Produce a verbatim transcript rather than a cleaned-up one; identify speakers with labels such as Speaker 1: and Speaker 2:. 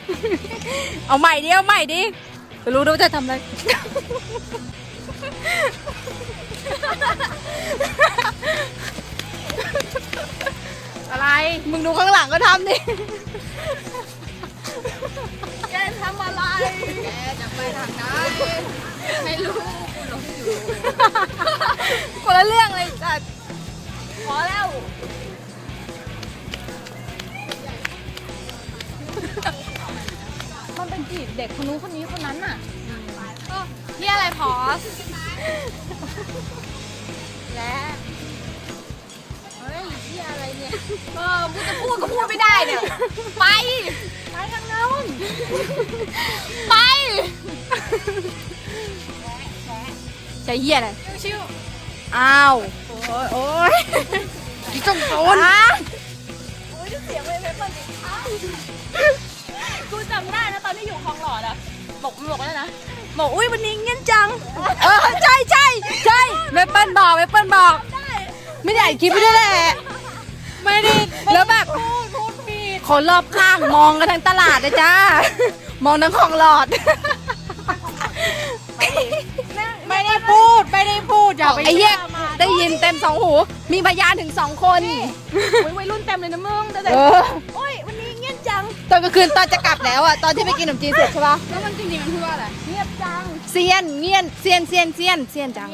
Speaker 1: เอาใหม่ดิเอาใหม่ดิไปรู้ด้วยว่าจะทำอะไรอะไรมึงดูข้างหลังก็ทำดิแกทำอะไรแกจะไปทางไหนไม่รู้กูหลงอยู่คนละเรื่องเลยจัดพอแล้วมันเป็นจีบเด็กคนนู้นคนนี้คนนั้นน่ะก็ที่อะไรพอสและเฮ้ยที่อะไรเนี่ยเออกูจะพูดก็พูดไม่ได้เนี่ยไปไปทางโน้นไปใช่เหี้ยอะไรชื่ออ้าวโอ้ยโอ้ยจงโดนโอ้ยเสียงเลยไม่เปิดอีกครั้งกูจำได้นะตอนที่อยู่คลองหลอดอะบอกบอกว่านะบอกอุ้ยวันนี้เงี้ยจังเออใช่ใช่ใช่เมเปิ้ลบอกเมเปิ้ลบอกไม่ได้อ่านคลิปไม่ได้แหละไม่ได้แล้วแบบคนรอบข้างมองกันทั้งตลาดเลยจ้ามองทั้งคลองหลอดไม่ได้พูดไม่ได้พูดอย่าไปไอ้เหี้ยได้ยินเต็มสองหูมีพยานถึงสองคนวัยรุ่นเต็มเลยนะมึงแต่โอ้ยวันนี้เงียบจังตอนกลางคืนตอนจะกลับแล้วอ่ะตอนที่ไปกินขนมจีนเสร็จใช่ปะแล้วมันจริงๆมันพูดว่าอะไรเงียบจังเซียนเงียนเซียนเซียนเซียนเซียนจัง